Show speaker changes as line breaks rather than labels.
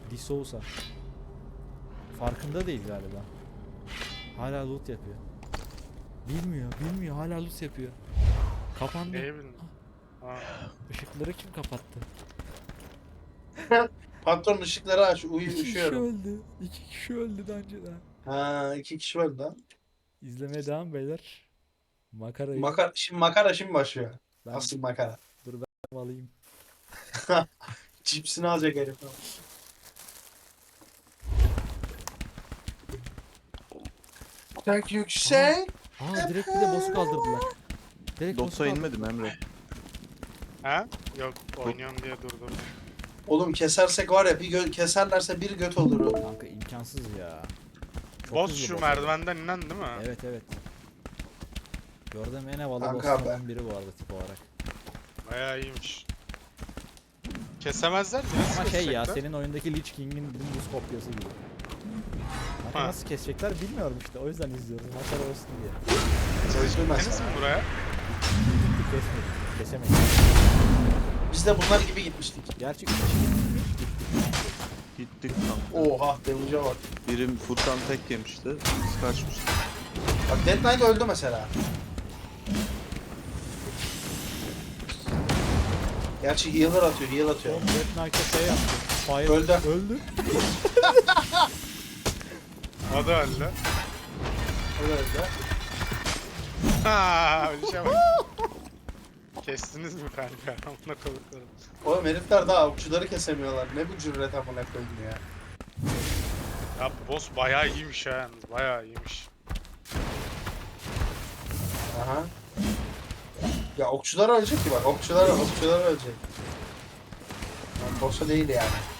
D'Souza. Farkında değil galiba. Hala loot yapıyor. Bilmiyor hala loot yapıyor. Kapandı.
Neyi bildin? Ha.
Işıkları kim kapattı?
Patron ışıkları aç.
İki kişi
Üşüyorum.
öldü. 2 kişi öldü daha önceden.
Ha, 2 kişi var lan.
İzlemeye devam beyler. Makarayı
Şimdi başlıyor.
ben
Asıl makara.
alayım.
Cipsini alacak herif. Çok yüksek.
Direkt bir de boss'u kaldırdılar. Direkt boss'u
Dota inmedim Emre.
Ha? Yok oynuyorum diye durdum.
Oğlum kesersek var ya keserlerse bir göt olur o.
Kanka imkansız ya. Çok
Boss
hızlı
şu
boss.
merdivenden inen değil mi?
Evet. Gördüğüm en havalı
Kanka
bosslardan biri bu arada tip olarak.
Bayağı iyiymiş. Kesemezler mi? Nasıl
Ama şey ya
kesecekler?
senin oyundaki Lich King'in dümdüz kopyası gibi. Kanka
Ha.
nasıl kesecekler bilmiyorum işte o yüzden izliyoruz. Makara olsun diye.
Çalışılmaz.
Gittiniz mi buraya?
Gittik kesmedik. Kesemedik.
Biz de bunlar gibi gitmiştik.
Gerçi 3 kişi gitmiş.
Gittik kanka.
Oha devuca bak.
Birim Furkan tek yemişti. Biz kaçmıştık.
Bak Dead Knight öldü mesela. Gerçi healer atıyor.
Oğlum Death Knight'a şey yaptı. Fire
Öldü.
Öldü.
O da öldü.
Öldü.
Ha, öyle şey bak. Kestiniz mi kanka? Amına koyduklarım.
Oğlum herifler daha okçuları kesemiyorlar. Ne bu cüret amına koyayım ya.
Ya boss bayağı iyiymiş ha yalnız. Bayağı iyiymiş.
Aha. Ya okçular ölecek ki bak. Okçular ölecek. Yani boss'a değil yani.